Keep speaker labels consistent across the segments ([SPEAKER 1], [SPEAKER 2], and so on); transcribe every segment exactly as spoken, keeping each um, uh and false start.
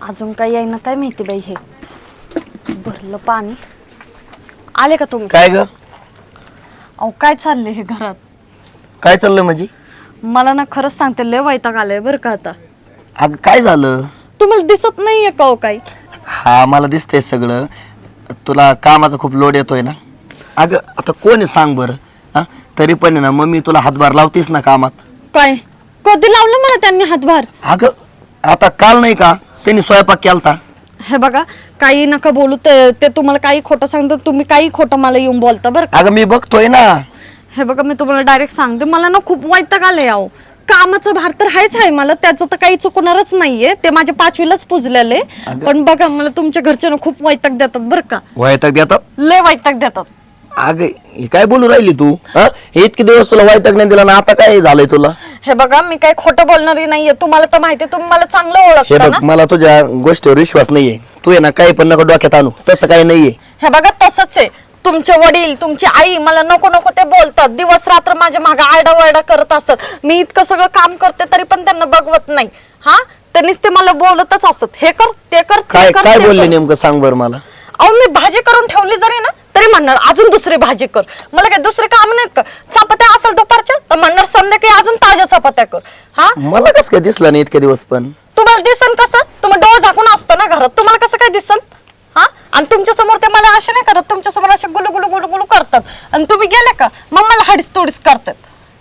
[SPEAKER 1] अजून काही आहे ना काय माहिती बाई. हे भरलं पाणी. आले का तुम्ही?
[SPEAKER 2] काय ग?
[SPEAKER 1] अहो काय चाललंय हे घरात?
[SPEAKER 2] काय चाललं म्हणजे?
[SPEAKER 1] मला ना खरंच सांगते लय वैताग आलाय बरं का आता.
[SPEAKER 2] अगं काय झालं?
[SPEAKER 1] तुम्हाला दिसत नाहीये का हो काही?
[SPEAKER 2] हा मला दिसतंय सगळं. तुला कामाचा खूप लोड येतोय ना. अगं आता कोण आहे सांग बरं. हा तरी पण आहे ना मम्मी तुला हातभार लावतीस ना कामात.
[SPEAKER 1] काय कधी लावलं मला त्यांनी हातभार?
[SPEAKER 2] अगं आता काल नाही का त्यांनी स्वयंपाक केलता.
[SPEAKER 1] हे बघा काही नका बोलू. ते ते तुम्हाला काही खोटं सांगतात. तुम्ही काही खोटं मला येऊन बोलता बरं का.
[SPEAKER 2] अगं मी बघतोय ना.
[SPEAKER 1] हे बघा मी तुम्हाला डायरेक्ट सांगते मला ना खूप वैताग आलंय. अहो कामाचा भार तर हायच आहे मला. त्याचं तर काही चुकणारच नाहीये. ते माझ्या पाचवीलाच पुजलेले. पण बघा मला तुमच्या घरचे ना खूप वैताग देतात बरं का.
[SPEAKER 2] वैताग देतात?
[SPEAKER 1] लय वैताग देतात.
[SPEAKER 2] अगं हे काय बोलू राहिली तू? हा इतके दिवस तुला वैताग नाही दिला ना आता काय झालंय तुला?
[SPEAKER 1] हे बघा मी काही खोटं बोलणारी नाहीये. तुम्हाला तर माहिती तुम्ही मला चांगलं
[SPEAKER 2] हे
[SPEAKER 1] ओळखता
[SPEAKER 2] बघ
[SPEAKER 1] ना.
[SPEAKER 2] मला तुझ्या गोष्टीवर विश्वास नाहीये. तू आहे ना काही पण नको डोक्यात आणू. तसं काही नाहीये.
[SPEAKER 1] हे बघा तसंच आहे. तुमचे वडील तुमची आई मला नको नको ते बोलतात. दिवस रात्र माझ्या मागे आरडाओरडा करत असतात. मी इतकं सगळं काम करते तरी पण त्यांना बघवत नाही. हा त्यांनीच ते मला बोलतच असतात. हे कर ते कर
[SPEAKER 2] काय
[SPEAKER 1] ते कर,
[SPEAKER 2] काय
[SPEAKER 1] ते
[SPEAKER 2] बोलले
[SPEAKER 1] कर.
[SPEAKER 2] नेमकं सांग बरं मला.
[SPEAKER 1] अहो मी भाजी करून ठेवली जरी ना तरी म्हणणार अजून दुसरी भाजी कर. मला काय दुसरे काम नाहीत का? चपात्या असेल दुपारच्या तर म्हणणार संध्याकाळी अजून ताज्या चपात्या कर. हा
[SPEAKER 2] मला कसं काय दिसलं नाही इतके दिवस पण?
[SPEAKER 1] तुम्हाला दिसन कसं? तुम्ही डोळ झाकून असतो ना घरात. तुम्हाला कसं काय दिसन? हा आणि तुमच्या समोर ते मला असे नाही करत. तुमच्या समोर असे गुलू गुलू गुलू गुलू करतात. आणि तुम्ही गेले का मग मला हडीस तोडीस करतात.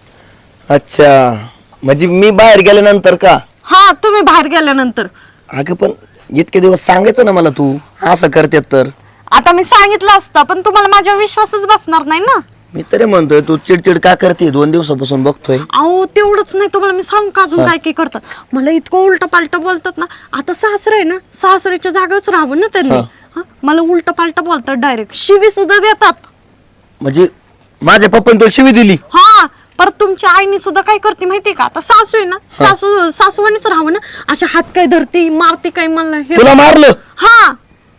[SPEAKER 2] अच्छा म्हणजे मी बाहेर गेल्यानंतर का?
[SPEAKER 1] हा तुम्ही बाहेर गेल्यानंतर.
[SPEAKER 2] अगं पण इतके दिवस सांगायचं ना मला तू असं करतेत तर.
[SPEAKER 1] आता मी सांगितलं असतं पण तुम्हाला माझ्यावर विश्वासच बसणार नाही ना.
[SPEAKER 2] मी तरी म्हणतोय तू चिडचिड का करते? दोन दिवसापासून बघतोय.
[SPEAKER 1] अहो तेवढंच नाही तुम्हाला मी सांगू का अजून काय काय करतात. मला इतकं उलट पालट बोलतात ना. आता सासर आहे ना सासऱ्याच्या जागेवरच राहावं ना त्यांनी. हा, मला उलट पालट बोलतात. डायरेक्ट शिवी सुद्धा देतात.
[SPEAKER 2] म्हणजे माझ्या पप्पाने तो शिवी दिली?
[SPEAKER 1] हा परत तुमच्या आईने सुद्धा काय करते माहितीये का? आता सासू आहे ना सासू सासूवानीच राहावं ना. अशा हात काय धरती मारते काय मला हे.
[SPEAKER 2] तुला मारलं?
[SPEAKER 1] हा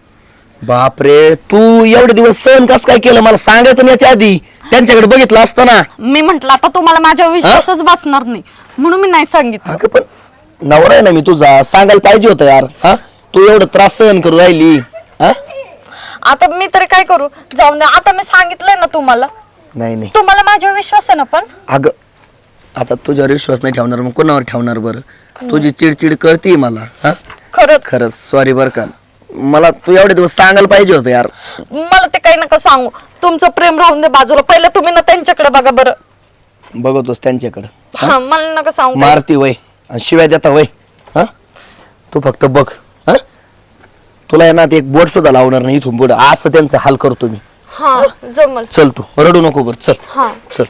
[SPEAKER 2] बापरे तू एवढे दिवस सहन कस काय केलं मला सांगायचं नाही याच्या आधी. त्यांच्याकडे बघितलं असतं ना.
[SPEAKER 1] मी म्हंटल आता तुम्हाला माझ्यावर विश्वासच बसणार नाही म्हणून मी नाही सांगितलं.
[SPEAKER 2] अगं पण नवरा आहे ना मी तुझा. सांगायला पाहिजे होतं यार. हा तू एवढं त्रास सहन करू राहिली. हा
[SPEAKER 1] आता मी तरी काय करू? जाऊन द्या. आता मी सांगितलंय ना तुम्हाला.
[SPEAKER 2] नाही नाही
[SPEAKER 1] तुम्हाला माझ्यावर विश्वास आहे ना पण.
[SPEAKER 2] अगं आता तुझ्यावर विश्वास नाही ठेवणार मग कोणावर ठेवणार बरं? तुझी चिडचिड कळती मला. हा
[SPEAKER 1] खरंच
[SPEAKER 2] खरंच सॉरी बरं का. मला तू एवढे दिवस सांगायला पाहिजे होतं यार.
[SPEAKER 1] मला ते काही नका सांगू. तुमचं प्रेम राहून दे बाजूला. पहिले तुम्ही ना त्यांच्याकडे बघा बरं.
[SPEAKER 2] बघतोस त्यांच्याकडे.
[SPEAKER 1] हा मला नका सांगू.
[SPEAKER 2] मारती वय आणि शिव्या देता वय. हा तू फक्त बघ. हा तुला आहे ना ते एक बोट सुद्धा लावणार नाही इथून पुढे. असं त्यांचा हाल करतो मी.
[SPEAKER 1] हा जमल.
[SPEAKER 2] चल तू रडू नको बरं. चल
[SPEAKER 1] हा
[SPEAKER 2] चल.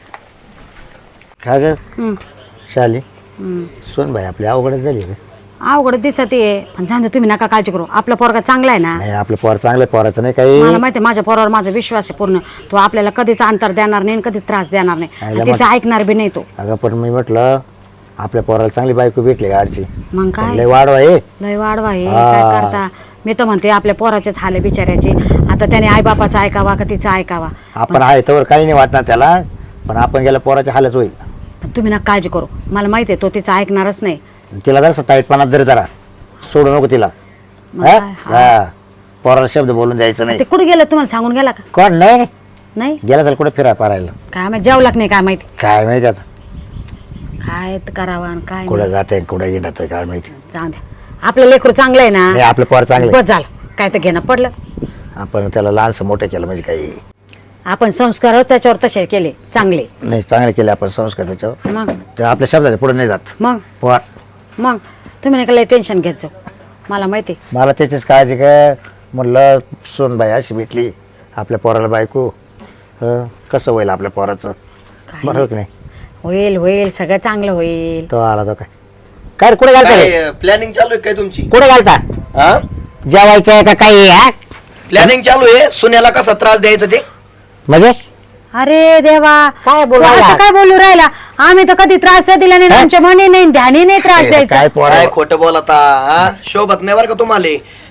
[SPEAKER 3] काय ग शाली सोन भाई आपली अवघडच झाली का?
[SPEAKER 4] अवघड दिसत आहे पण जाऊ दे तुम्ही नका काळजी करू. आपला पोरगा चांगला आहे ना.
[SPEAKER 3] नाही आपलं पोर चांगलं पोराचं नाही काही.
[SPEAKER 4] मला माहिती आहे माझ्या पोरावर माझा विश्वास आहे पूर्ण. तो आपल्याला कधीच अंतर देणार नाही कधी त्रास देणार नाही.
[SPEAKER 3] आईला
[SPEAKER 4] आणि तिचं ऐकणार बी नाही तो.
[SPEAKER 3] अगं पण मी म्हटलं आपल्या पोराला चांगली बायको भेटली गाडची.
[SPEAKER 4] मग काय
[SPEAKER 3] लय वाढवा आहे.
[SPEAKER 4] लय वाढवा हे
[SPEAKER 3] हा.
[SPEAKER 4] काय करता. मी तर म्हणते आपल्या पोराचेच हाल आहे बिचाऱ्याचे. आता त्याने आई बापाचं ऐकावा का तिचं ऐकावा.
[SPEAKER 3] आपण आहे तर काही नाही वाटणार त्याला. पण आपण गेल्या पोराच्या हालच होईल.
[SPEAKER 4] पण तुम्ही नका काळजी करू. मला माहिती आहे तो तिचं ऐकणारच नाही.
[SPEAKER 3] तिला जर ताईटपणात जरी जरा सोडू नको तिला.
[SPEAKER 4] मग
[SPEAKER 3] हा?
[SPEAKER 4] काय?
[SPEAKER 3] हा. पोराला शब्द बोलून द्यायचं नाही.
[SPEAKER 4] ते कुठे गेलं तुम्हाला सांगून गेला का?
[SPEAKER 3] कोण नाही
[SPEAKER 4] नाही
[SPEAKER 3] गेला तर कुठे फिराय पारायला
[SPEAKER 4] काय माहिती जेवला की नाही काय माहिती.
[SPEAKER 3] काय माहिती आता
[SPEAKER 4] काय करावा आणि काय
[SPEAKER 3] कुठं
[SPEAKER 4] नाही.
[SPEAKER 3] जाते कुठं येणार काय माहिती.
[SPEAKER 4] जाऊ द्या. आपलं लेकरू चांगलं आहे
[SPEAKER 3] नाही
[SPEAKER 4] ना.
[SPEAKER 3] आपलं पोर चांगलं
[SPEAKER 4] बस झालं. काय तर घेणं पडलं.
[SPEAKER 3] आपण त्याला लहानसं मोठं केलं म्हणजे काही
[SPEAKER 4] आपण संस्कार त्याच्यावर तसे केले चांगले.
[SPEAKER 3] नाही चांगले केले आपण संस्कार त्याच्यावर.
[SPEAKER 4] मग
[SPEAKER 3] तर आपल्या शब्दाच्या पुढे नाही जात
[SPEAKER 4] मग
[SPEAKER 3] पोर.
[SPEAKER 4] मग तुम्ही नका लय टेन्शन घेत जाऊ. मला माहिती.
[SPEAKER 3] मला त्याचीच काळजी काय म्हणलं सोनबाई अशी भेटली आपल्या पोराला बायको. हं, कसं होईल आपल्या पोराचं बरोबर की नाही.
[SPEAKER 4] होईल होईल सगळं चांगलं होईल.
[SPEAKER 3] तो आला तो काय काय रे, कुठे घालता रे?
[SPEAKER 2] प्लॅनिंग चालू आहे काय तुमची?
[SPEAKER 3] कुठे घालता
[SPEAKER 2] हा
[SPEAKER 3] जेवायचं आहे का काही हा?
[SPEAKER 2] प्लॅनिंग चालू आहे. सुन्याला कसा त्रास द्यायचा ते.
[SPEAKER 3] म्हणजे
[SPEAKER 4] अरे देवा
[SPEAKER 3] काय बोलू
[SPEAKER 4] तू
[SPEAKER 3] राहिला?
[SPEAKER 4] असं काय बोलू राहिला. आम्ही तर कधी त्रास दिला नाही.
[SPEAKER 3] हा?
[SPEAKER 4] आमच्या मनी नाही ध्यानी नाही त्रास द्यायचा.
[SPEAKER 3] काय पोरा
[SPEAKER 2] काय खोटं बोलता. हा शोभत नाही बरं का तुम्हाला.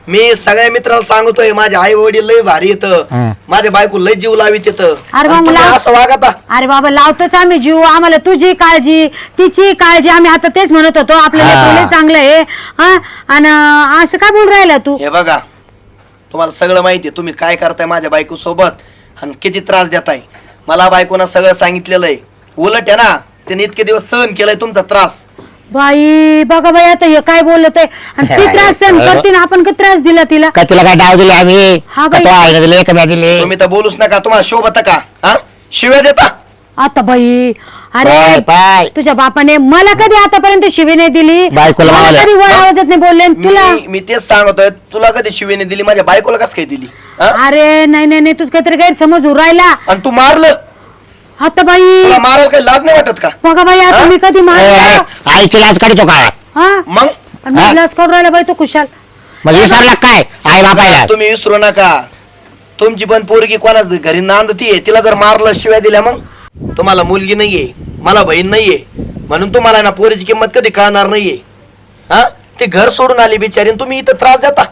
[SPEAKER 2] मी सगळ्या मित्राला सांगतोय माझे आई वडील लय भारी येत,
[SPEAKER 3] हं.
[SPEAKER 2] माझ्या बायको लय जीव लावित येत,
[SPEAKER 4] अरे बा, मला-
[SPEAKER 2] असं वागता.
[SPEAKER 4] अरे बाबा लावतोच आम्ही जीव, आम्हाला तुझी काळजी तिची काळजी, आम्ही आता तेच म्हणत होतो आपल्याला
[SPEAKER 3] हा.
[SPEAKER 4] लेकरू लय चांगलं आहे हा. आणि असं काय बोल राहिला तू?
[SPEAKER 2] हे बघा तुम्हाला सगळं माहितीये तुम्ही काय करताय माझ्या बायको सोबत आणि किती त्रास देताय. मला बायकोनं सगळं सांगितलेलं आहे. उलट आहे ना तिने इतके दिवस सहन केलाय तुमचा त्रास.
[SPEAKER 4] बाई बघा बाई आता हे काय बोलत आहे, आणि ती त्रास सहन करते ना, आपण किती त्रास दिला तिला?
[SPEAKER 3] का तुला काय डाव दिले आम्ही?
[SPEAKER 4] हा
[SPEAKER 3] का
[SPEAKER 4] बाई.
[SPEAKER 3] तो आईने दिले का मी दिले?
[SPEAKER 2] तुम्ही तर बोलूच नका. तुम्हाला शोभत का? हा शिव्या देता.
[SPEAKER 4] आता बाई
[SPEAKER 3] पाय,
[SPEAKER 4] अरे
[SPEAKER 3] पाय.
[SPEAKER 4] तुझ्या बापाने मला कधी आतापर्यंत शिवी नाही दिली,
[SPEAKER 3] बायकोला
[SPEAKER 4] मला
[SPEAKER 3] मारलं.
[SPEAKER 4] कधी वर आवाजात नाही बोलले, आणि तुला
[SPEAKER 2] मी मी तेच सांगतोय तुला कधी शिवेने दिली, माझ्या बायकोला कस काय दिली? हा?
[SPEAKER 4] अरे नाही नाही नाही तुझ काहीतरी गैरसमज होऊ राहिला.
[SPEAKER 2] आणि तू मारलं.
[SPEAKER 4] आता बाई
[SPEAKER 2] तुला मारायला काही लाज नाही वाटत का?
[SPEAKER 4] बघा बाई आता
[SPEAKER 2] हा?
[SPEAKER 4] मी कधी
[SPEAKER 3] ए,
[SPEAKER 4] मारला
[SPEAKER 3] आईची लाज काढतो का?
[SPEAKER 4] हा
[SPEAKER 2] मग
[SPEAKER 4] आणि मग लाज करून राहिला बाई तो खुशाल.
[SPEAKER 3] म्हणजे विसरला काय आई बापायला?
[SPEAKER 2] तुम्ही विसरू नका तुमची पण पोरगी कोणाच घरी नांदतीये, तिला जर मारलं शिव्या दिल्या मग तुम्हाला मुलगी नाहीये, मला बहीण नाहीये, म्हणून तुम्हाला ना पोरीची किंमत कधी कळणार नाहीये. हा ते घर सोडून आली बिचारी आणि तुम्ही इथं त्रास देता.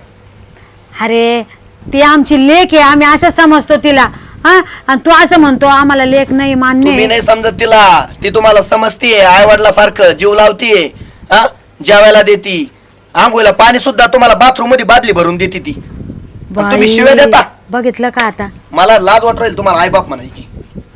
[SPEAKER 4] अरे ती आमची लेक आहे, आम्ही असं समजतो तिला हा. आणि तू असं म्हणतो आम्हाला लेक नाही मान्य
[SPEAKER 2] तुम्ही
[SPEAKER 4] आहे.
[SPEAKER 2] नाही समजत तिला. ती तुम्हाला समजतीये, आई वडिला सारखं जीव लावतीये, हा जेवायला देती, आंघोळीला पाणी सुद्धा तुम्हाला बाथरूम मध्ये बादली भरून देते ती. पण तुम्ही
[SPEAKER 4] बाई,
[SPEAKER 2] शिव्या देता.
[SPEAKER 4] बघितलं का आता?
[SPEAKER 2] मला लाज वाट राहील तुम्हाला आई बाप म्हणायची.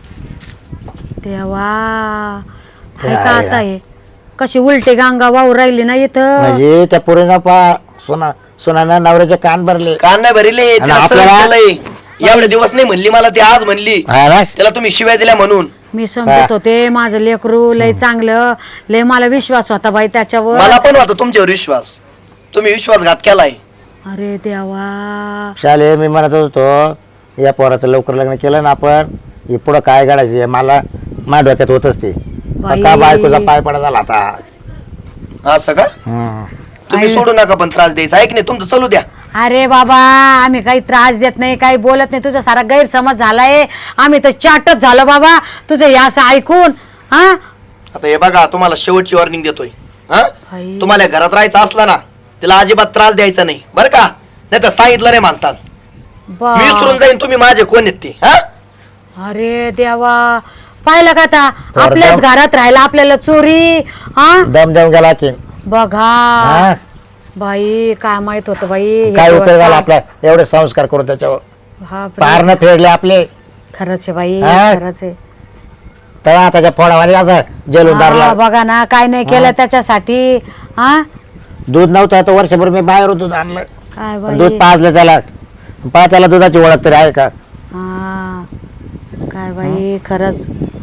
[SPEAKER 4] तेव्हा हाय का आता हे कशी उलटी गांगा वाहू राहिली ना इथं.
[SPEAKER 3] म्हणजे त्या पोरीनं पा सोना सोनानं नवऱ्याचे कान भरले.
[SPEAKER 2] कान नाही भरले,
[SPEAKER 3] आणि
[SPEAKER 2] तिला सहन
[SPEAKER 3] आपल्याला-
[SPEAKER 2] केलंय. एवढे दिवस नाही म्हणली मला, ती आज म्हणली
[SPEAKER 3] हा ना?
[SPEAKER 2] त्याला तुम्ही शिव्या दिल्या म्हणून.
[SPEAKER 4] मी समजत होते माझं लेकरू लय चांगलं, लय मला विश्वास होता बाई त्याच्यावर.
[SPEAKER 2] मला पण होता तुमच्यावर विश्वास, तुम्ही विश्वासघात केलाय.
[SPEAKER 4] अरे देवा
[SPEAKER 3] शाले मी म्हणत होतो या पोराचं लवकर लग्न केलं ना आपण, हे पुढं काय काढायचे मला माझ्या डोक्यात होतच ते.
[SPEAKER 4] बाई.
[SPEAKER 3] का बायकोचा पाय पडा झाला आता.
[SPEAKER 2] असं का?
[SPEAKER 3] हम्म.
[SPEAKER 2] तुम्ही सोडू नका पण त्रास द्यायचा. ऐक नाही तुमचं चालू द्या.
[SPEAKER 4] अरे बाबा आम्ही काही त्रास देत नाही, काही बोलत नाही, तुझा सारा गैरसमज झालाय, आम्ही तर चाटच झालो बाबा तुझं हे असं ऐकून. हा
[SPEAKER 2] आता हे बघा तुम्हाला शेवटची वॉर्निंग देतोय. हा
[SPEAKER 4] आई.
[SPEAKER 2] तुम्हाला घरात राहायचं असला ना तिला अजिबात त्रास द्यायचा नाही बरं का, नाही तर सांगितलं नाही म्हणतात.
[SPEAKER 4] बा-
[SPEAKER 2] मी विसरून जाईन तुम्ही माझे कोण आहेत ते. हा
[SPEAKER 4] अरे देवा पाहिलं का आता आपल्याच घरात राहायला आपल्याला चोरी. हा
[SPEAKER 3] दम देऊन गेला की
[SPEAKER 4] बघा
[SPEAKER 3] हा?
[SPEAKER 4] बाई काय माहित होत बाई हे
[SPEAKER 3] काय
[SPEAKER 4] दिवस
[SPEAKER 3] उपयोग झाला
[SPEAKER 4] काय-
[SPEAKER 3] आपला एवढे संस्कार करून त्याच्यावर
[SPEAKER 4] बापरे.
[SPEAKER 3] पार न फेडले आपले.
[SPEAKER 4] खरंच आहे बाई
[SPEAKER 3] हा?
[SPEAKER 4] खरंच आहे.
[SPEAKER 3] तर त्याच्या फोडावाने असं जेलून
[SPEAKER 4] हा,
[SPEAKER 3] धरला.
[SPEAKER 4] बघा ना काय नाही केलं त्याच्यासाठी. हा
[SPEAKER 3] दूध नव्हतं तर वर्षभर मी बाहेर दूध आणलं,
[SPEAKER 4] काय
[SPEAKER 3] दूध
[SPEAKER 4] बाई
[SPEAKER 3] पाजलं त्याला. पा त्याला दुधाची ओळख तरी आहे का?
[SPEAKER 4] हा काय बाई खरंच.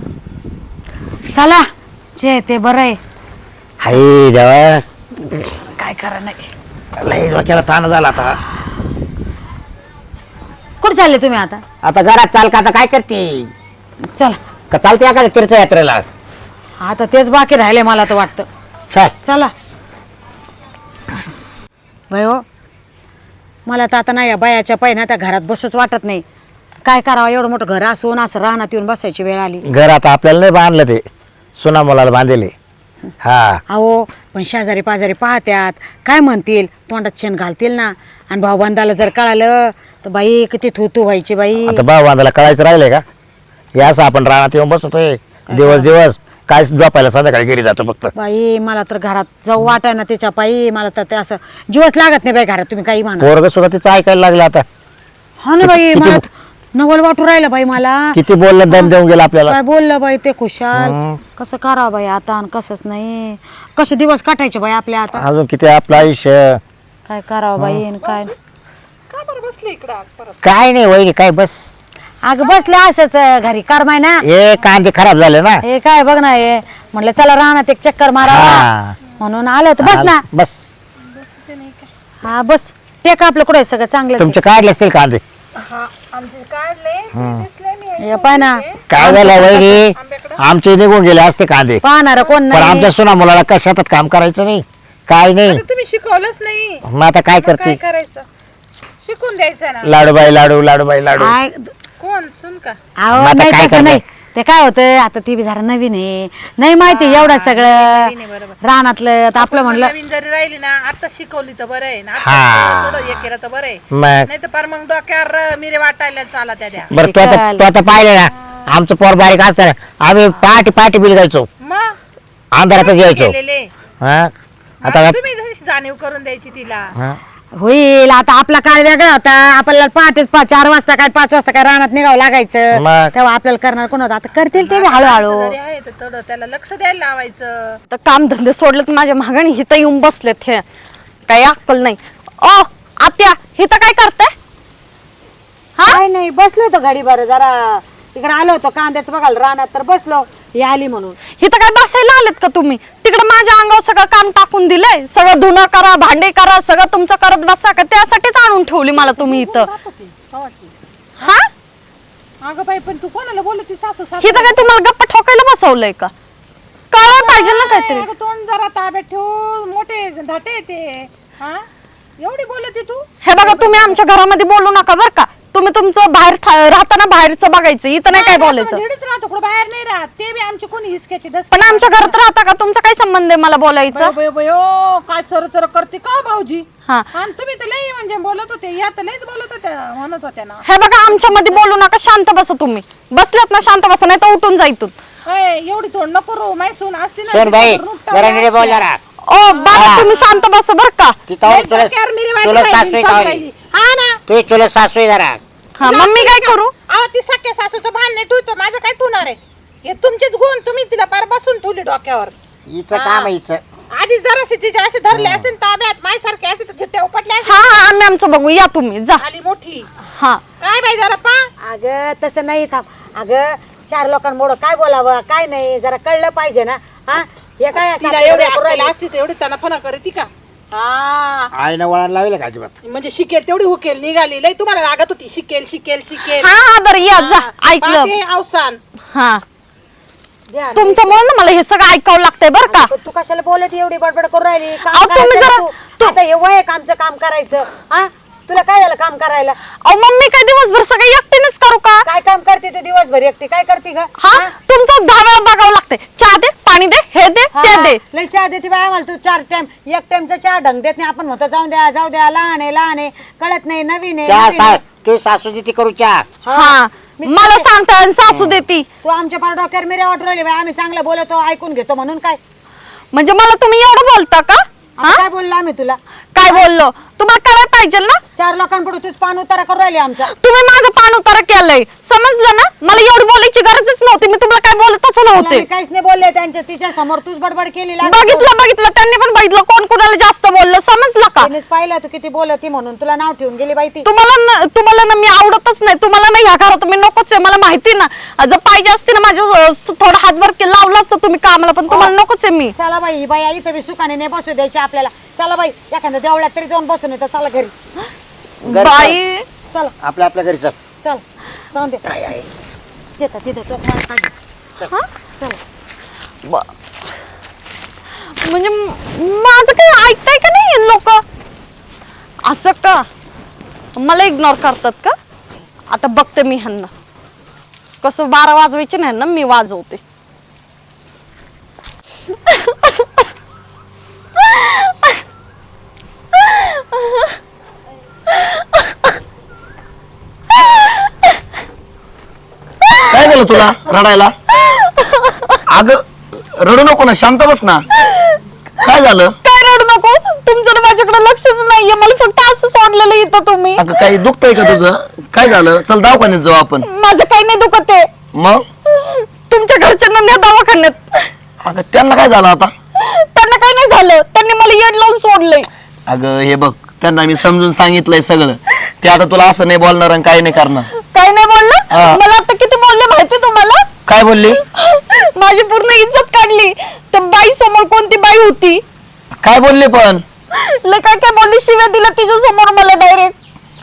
[SPEAKER 4] चला जे ते बरं आहे,
[SPEAKER 3] हाय देवा
[SPEAKER 4] काय करा नाही.
[SPEAKER 3] लय डोक्याला ताण झाला आता.
[SPEAKER 4] कुठे चालले तुम्ही आता?
[SPEAKER 3] आता घरात चाल का, आता काय करते
[SPEAKER 4] चला
[SPEAKER 3] का, चालते का तीर्थयात्रेला?
[SPEAKER 4] आता तेच बाकी राहिले मला तर वाटतं.
[SPEAKER 3] चल
[SPEAKER 4] चला बाई हो मला तर आता नाही या बायाच्या पाय ना त्या घरात बसूच वाटत नाही. काय करावं एवढं मोठं घर असून असं रानात येऊन बसायची वेळ आली.
[SPEAKER 3] घर आता आपल्याला नाही बांधलं, ते सुना मुलाला बांधले. हा
[SPEAKER 4] अहो पण शेजारी पाजारी पाहत्यात काय म्हणतील, तोंडात शेण घालतील ना. आणि भाऊबंदाला जर कळालं तर बाई किती थू थू व्हायची बाई.
[SPEAKER 3] आता भाऊ बांधायला कळायचं राहिलंय का? हे असं आपण रानात येऊन बसतोय दिवस दिवस, काय झोपायला संध्याकाळी घरी जातो फक्त.
[SPEAKER 4] बाई मला तर घरात जाऊ वाटाय ना त्याच्या पायी. मला तर ते असं जीवच लागत नाही बाई घरात, तुम्ही काही म्हणा.
[SPEAKER 3] पोरग सुद्धा तिचं ऐकायला लागलं आता.
[SPEAKER 4] हा ना बाई
[SPEAKER 3] किती-
[SPEAKER 4] मला नवल वाटू राहिलं बाई मला.
[SPEAKER 3] किती बोललं दम देऊन गेला आपल्याला.
[SPEAKER 4] काय बोललं बाई ते खुशाल.
[SPEAKER 3] हं.
[SPEAKER 4] कसं करावं बाई आता आणि कसंच नाही, कसे दिवस काटायचे बाई आपल्या आता.
[SPEAKER 3] अजून किती आपलं आयुष्य.
[SPEAKER 4] काय करावं बाई आणि काय.
[SPEAKER 3] काय नाही वहिनी, काय बस
[SPEAKER 4] अगं बसले असंच घरी करमाय ना.
[SPEAKER 3] हे कांदे खराब झाले ना.
[SPEAKER 4] हे काय बघ ना हे म्हटलं चला राहणार एक चक्कर मारावा
[SPEAKER 3] हा.
[SPEAKER 4] म्हणून आलो होतो. बस ना.
[SPEAKER 3] बस
[SPEAKER 4] हा बस ते का आपलं कुठे सगळं चांगलं.
[SPEAKER 3] तुमचे काढले असतील कांदे.
[SPEAKER 4] हे पाय ना
[SPEAKER 3] काय झालं वहिनी, आमचे निघून गेले असते कांदे,
[SPEAKER 4] पाहणार कोण
[SPEAKER 3] पण
[SPEAKER 4] नाही.
[SPEAKER 3] आमच्या सुना मुलाला काय शेतात काम करायचं नाही, काय नाही.
[SPEAKER 5] तुम्ही शिकवलंच नाही,
[SPEAKER 3] मग आता काय
[SPEAKER 5] काय
[SPEAKER 3] करते?
[SPEAKER 5] करायचं? शिकून द्यायचं ना.
[SPEAKER 3] लाडूबाई लाडू लाडूबाई लाडू.
[SPEAKER 4] काय
[SPEAKER 5] कोण सुन का?
[SPEAKER 4] अहो
[SPEAKER 3] आता
[SPEAKER 4] नाही
[SPEAKER 3] काय
[SPEAKER 4] तसं नाही. ते काय होतं आता ती बी जरा नवीन आहे, नाही माहिती एवढं
[SPEAKER 5] नवीन आहे,
[SPEAKER 4] सगळं
[SPEAKER 5] बरोबर.
[SPEAKER 4] रानातलं तर आपलं म्हणलं
[SPEAKER 5] नवीन जरी राहिली ना आता शिकवली तर बरं आहे ना आता
[SPEAKER 3] हा.
[SPEAKER 5] थोडं थोडं हे केलं तर बरं आहे
[SPEAKER 3] मग
[SPEAKER 5] नाही तर फार मग डोक्यावर मिरे वाटायला चाला त्या द्या
[SPEAKER 3] बरं तू आता
[SPEAKER 4] शिकाल.
[SPEAKER 3] तू आता पाहिलं ना आमचं पोर बारीक असताना आम्ही पहाटे पहाटे बिल गायचो,
[SPEAKER 5] मग
[SPEAKER 3] अंधारातच यायचो.
[SPEAKER 5] केलेले
[SPEAKER 3] हा आता
[SPEAKER 5] मग तुम्ही जशी जाणीव करून द्यायची तिला
[SPEAKER 3] हा.
[SPEAKER 4] होईल. आता आपला काळ वेगळा होता, आपल्याला पहाटेच पा- चार वाजता काय पाच वाजता काय रानात निघावं लागायचं,
[SPEAKER 3] मग.
[SPEAKER 4] तेव्हा आपल्याला करणार कोण होतं. आता करतील ते बी हळूहळू.
[SPEAKER 5] माणसं जरी आहे तर थोडं त्याला लक्ष द्यायला लावायचं
[SPEAKER 1] तर काम धंदे सोडले तर माझ्या मागणी हिथं येऊन बसलेत हे, काही अक्कल नाही. ओ आत्या हिथं काय करते?
[SPEAKER 4] काय नाही, बसलो होतो घडी बरं जरा तिकडे आलो होतो कांद्याचं बघायला रानात, तर बसलो ही आली म्हणून.
[SPEAKER 1] हिथं काय बसायला आलेत का तुम्ही? तिकडे माझ्या अंगावर सगळं काम टाकून दिलंय, सगळं धुणं करा, भांडे करा, सगळं तुमचं करत बसा का? त्यासाठीच आणून ठेवली मला तुम्ही इथं.
[SPEAKER 5] कवाची
[SPEAKER 1] हा
[SPEAKER 5] अगं बाई पण तू कोणाला बोलती सासू सासू
[SPEAKER 1] हिथं काय तुम्हाला गप्पा ठोकायला बसवलंय का? कळलं पाहिजे ना काहीतरी.
[SPEAKER 5] अगं तोंड जरा ताब्यात ठेव, मोठे धाटे ते हा एवढी बोलती तू
[SPEAKER 1] हे बघा तुम्ही आमच्या घरामध्ये बोलू नका बरं का. तुम्ही तुमचं बाहेर था- राहताना बाहेरचं बघायचं, इथं नाही काय बोलायचं.
[SPEAKER 5] हेडीच राहतो कुठं बाहेर नाही राहत ते बी आमची कोणी हिसक्याची दस
[SPEAKER 1] पण आमच्या घरात राहता का? तुमचा काय संबंध आहे मला बोलायचं?
[SPEAKER 5] बयो बयो काय चर चर करते का भाऊजी
[SPEAKER 1] हा
[SPEAKER 5] आणि तुम्ही तर लई म्हणजे बोलत होते या तर लईच बोलत होत्या म्हणत होत्या ना
[SPEAKER 1] हे बघा आमच्या मध्ये बोलू नका, शांत बसा तुम्ही. बसल्यात ना शांत बसा, नाही तर उठून जाई तू.
[SPEAKER 5] अय, एवढी तोंड नको रो माय सून असते ना
[SPEAKER 3] सोन भाई
[SPEAKER 5] तिच्यावर रूप
[SPEAKER 3] जरा
[SPEAKER 5] टाकून
[SPEAKER 3] नीट बोल जरा.
[SPEAKER 1] ओ बाबा तुम्ही शांत बसा बरं का.
[SPEAKER 3] तिथं
[SPEAKER 5] लई
[SPEAKER 3] तुला
[SPEAKER 5] डोक्यावर मिरी वाटू
[SPEAKER 3] तुला
[SPEAKER 5] राहिली,
[SPEAKER 3] सासू
[SPEAKER 5] चालू
[SPEAKER 3] आहे
[SPEAKER 5] राहिली. हा ना
[SPEAKER 3] तू तुला सासू आहे जरा.
[SPEAKER 1] हा मग मी काय करू?
[SPEAKER 5] अहो ती सख्या सासूचं भान नाही ठेवतो माझं काय ठेवणार आहे हे तुमचेच गुण तुम्ही तिला पार बसून ठेवली डोक्यावर
[SPEAKER 3] हिचं काम आहे हिचं.
[SPEAKER 5] आधी जराशी तिचे असे धरले असेल ताब्यात मायसारखे असे तर झिट्ट्या उपटले असेल.
[SPEAKER 1] हा हा आम्ही आमचं बघू, या तुम्ही जा.
[SPEAKER 5] आली मोठी
[SPEAKER 1] हा
[SPEAKER 5] काय बाई जरा पा
[SPEAKER 4] अगं तसं नाही थांब. अगं चार लोकांमुळं काय बोलावं काय नाही जरा कळलं पाहिजे ना. हा हे काय असं
[SPEAKER 5] तिला
[SPEAKER 4] आपल्याला
[SPEAKER 5] एवढी
[SPEAKER 4] करू राहिली?
[SPEAKER 5] अक्कल असती तर एवढी त्यांना फना करे ती का हा
[SPEAKER 3] आईनं वळण लावलं का अजिबात?
[SPEAKER 5] म्हणजे शिकेल तेवढी हुकेल निघाली लई तुम्हाला लागत होती शिकेल शिकेल शिकेल
[SPEAKER 1] हा हा बरं या जा.
[SPEAKER 5] हा,
[SPEAKER 1] ऐकलं.
[SPEAKER 5] पाहते अवसान
[SPEAKER 1] हा
[SPEAKER 4] द्या.
[SPEAKER 1] तुमच्यामुळे ना मला हे सगळं ऐकावं लागतंय बरं का.
[SPEAKER 4] पण तू कशाला बोलत एवढी बडबड करू राहिली? काम
[SPEAKER 1] अहो, तुम्ही
[SPEAKER 4] करायचं
[SPEAKER 1] जरा-
[SPEAKER 4] तू. आता हे वय आहे का आमचं काम करायचं? हा तुला काय झालं काम करायला?
[SPEAKER 1] अहो मम्मी काय दिवसभर सगळं एकटीनेच करू का?
[SPEAKER 4] काय काम करते तू दिवसभर एकटी? काय करते ग?
[SPEAKER 1] हा तुमचं दहा वेळा बघावं लागतंय. चहा दे, पाणी दे, हे दे,
[SPEAKER 4] हा,
[SPEAKER 1] ते दे.
[SPEAKER 4] लय चहा देते बाय आम्हाला तू. चार टाइम एक टाइमचा चहा ढंग देत नाही. आपण म्हणतो जाऊ द्या जाऊ द्या, लहान आहे लहान आहे, कळत नाही, नवीन आहे,
[SPEAKER 3] चहा
[SPEAKER 4] नवीन
[SPEAKER 3] सा
[SPEAKER 4] आहे.
[SPEAKER 3] तू सासू ती करू चहा.
[SPEAKER 1] हा मला सांगता आणि सासू देती.
[SPEAKER 4] तू आमच्या पार डोक्यावर मिऱ्या वाटू राहिली बाई. आम्ही चांगलं बोलतो ऐकून घेतो म्हणून काय?
[SPEAKER 1] म्हणजे मला तुम्ही एवढं बोलता का?
[SPEAKER 4] आता काय बोललो आम्ही तुला?
[SPEAKER 1] काय बोललो? तुम्हाला करायला पाहिजे ना.
[SPEAKER 4] चार लोकांपुढे तूच पान उतारा करू राहिली आमचा.
[SPEAKER 1] तुम्ही माझं पान उतारा केलंय, समजलं ना. मला एवढी बोलायची गरजच नव्हती. मी तुम्हाला काय बोलतच
[SPEAKER 4] तुला
[SPEAKER 1] नव्हते.
[SPEAKER 4] मी काहीच नाही बोलले त्यांच्या तिच्या समोर तूच बडबड केली. लागली.
[SPEAKER 1] बघितलं बघितलं त्यांनी पण बघितलं कोण कोणाला जास्त बोललं, समजलं का?
[SPEAKER 4] तिनेच पाहिलं तू किती बोलती म्हणून तुला नाव ठेवून गेली बाई ती.
[SPEAKER 1] तुम्हाला न- तुम्हाला ना मी आवडतच नाही. तुम्हाला ना ह्या घरात मी नकोच आहे, मला माहिती ना. जर पाहिजे असते ना माझ्या अं, थोडा हातभार के- लावला असतं तुम्ही कामाला, पण तुम्हाला नकोच आहे मी.
[SPEAKER 4] चला बाई ही बाई इथं बी सुखाने नाही बसू द्यायची आपल्याला. चला बाई एखाद्या देवळात तरी जाऊन बसून येतं. चला घरी
[SPEAKER 3] घरी
[SPEAKER 1] बाई
[SPEAKER 4] चला
[SPEAKER 3] आपल्या आपल्या घरी चल.
[SPEAKER 4] चल जाऊन दे येतात तिथे तो खायला पाहिजे.
[SPEAKER 1] हा?
[SPEAKER 4] चला
[SPEAKER 1] ब- म्हणजे म- माझं काही ऐकताय का नाही लोक? असं का मला इग्नोर करतात का? आता बघते मी ह्यांना कसं. बारा वाजवायचे नाही ना, मी वाजवते.
[SPEAKER 2] काय झालं तुला रडायला? अगं रडू नको ना, शांत बस ना. काय झालं?
[SPEAKER 1] काय रडू नको. तुमचं ना माझ्याकडे लक्षच नाहीये. मला फक्त असं सोडलेलं इथं तुम्ही.
[SPEAKER 2] अगं काही दुखतंय का तुझं? काय झालं? चल दवाखान्यात जाऊ आपण.
[SPEAKER 1] माझं काही नाही दुखत आहे.
[SPEAKER 2] मग
[SPEAKER 1] तुमच्या घरच्यांना न्या दवाखान्यात.
[SPEAKER 2] अगं त्यांना काय झालं आता?
[SPEAKER 1] त्यांना काही नाही झालं, त्यांनी मला येड लावून सोडलंय.
[SPEAKER 2] अगं हे बघ, त्यांना मी समजून सांगितलंय सगळं. ते आता तुला असं नाही बोलणार आणि काही नाही करणार.
[SPEAKER 1] काय नाही बोललं.
[SPEAKER 2] हा.
[SPEAKER 1] मला आता किती बोलले माहिती तुम्हाला?
[SPEAKER 2] काय बोलली?
[SPEAKER 1] माझी पूर्ण इज्जत काढली. त्या बाई समोर कोणती बाई होती?
[SPEAKER 2] काय बोलले पण?
[SPEAKER 1] लय काय काय बोलली, शिव्या दिल्या तिच्या समोर मला डायरेक्ट.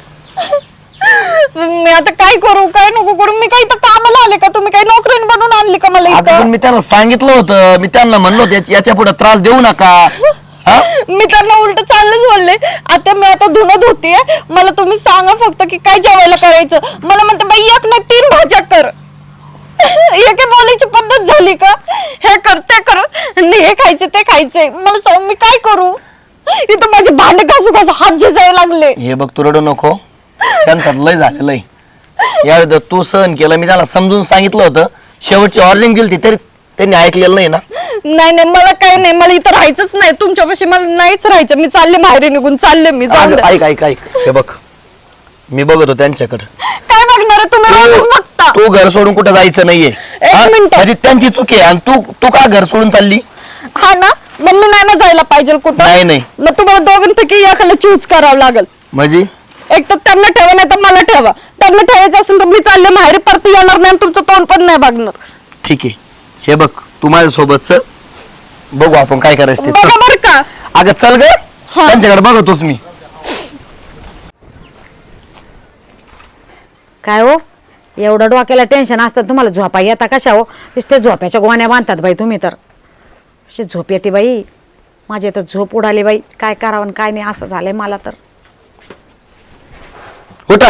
[SPEAKER 1] मी आता काय करू काय नको करू? मी काही तर कामाला आले का? तुम्ही काही नोकरीन बनवून आणली का मला
[SPEAKER 2] आता पण
[SPEAKER 1] इथं?
[SPEAKER 2] मी त्यांना सांगितलं होतं, मी त्यांना म्हणलो होतं, याच्या पुढे त्रास देऊ नका. हा?
[SPEAKER 1] मी त्यांना उलट चाललंच बोलले. आता मी आता धुणत होतीये, मला तुम्ही सांगा फक्त की काय जेवायला करायचं. मला म्हणते बाई एक नाही तीन भाज्या कर. एके बोलायची पद्धत झाली का? हे कर ते कर आणि हे खायचे ते खायचे. मला सांग मी काय करू? इथं माझे भांडे घासू घासू हात झिजायला लागले.
[SPEAKER 2] हे बघ तू रडू नको, त्यांचं लय झालेलं आहे. यावेळी तू सहन केलं, मी त्याला समजून सांगितलं होतं, शेवटची ऑर्डरिंग दिली तरी त्यांनी ऐकलेलं नाही ना.
[SPEAKER 1] नाही नाही मला काही नाही, मला इथं राहायचंच नाही तुमच्यापाशी, मला नाहीच राहायचं. मी चालले बाहेर निघून चालले मी. जाऊन
[SPEAKER 2] अगं,
[SPEAKER 1] द्या.
[SPEAKER 2] ऐक ऐक ऐक हे बघ, मी बघतो त्यांच्याकडे.
[SPEAKER 1] काय बघणार आहे तुम्ही? रोजच बघता.
[SPEAKER 2] तू घर सोडून कुठे जायचं नाहीये.
[SPEAKER 1] एक
[SPEAKER 2] हा?
[SPEAKER 1] मिनिटं.
[SPEAKER 2] म्हणजे त्यांची चुकी आहे आणि तू तू का घर सोडून चालली?
[SPEAKER 1] हा ना, मम्मी नाही ना जायला पाहिजे कुठं.
[SPEAKER 2] नाही नाही
[SPEAKER 1] मग तुम्हाला दोघांपैकी एकाला चूज करावं लागेल.
[SPEAKER 2] म्हणजे
[SPEAKER 1] एक तर त्यांना ठेवा नाही तर मला ठेवा. त्यांना ठेवायचं असेल तर मी चालले माहेरी, परत येणार नाही आणि तुमचं तोंड पण नाही बघणार.
[SPEAKER 2] ठीक आहे, हे बघ तू माझ्या सोबत चल, बघू आपण काय करायचं ते.
[SPEAKER 1] बघा
[SPEAKER 2] चल.
[SPEAKER 1] बर का.
[SPEAKER 2] अगं चल ग,
[SPEAKER 1] हा.
[SPEAKER 2] त्यांच्याकडे बघतोच मी.
[SPEAKER 4] काय हो एवढं डोक्याला टेन्शन असतं तुम्हाला, झोपा येता कशा हो? नुसते झोप्याच्या गोण्या बांधतात बाई तुम्ही तर. अशी झोप येते बाई, माझी तर झोप उडाली बाई. काय करावं आणि काय नाही असं झालंय मला तर.
[SPEAKER 2] उठा.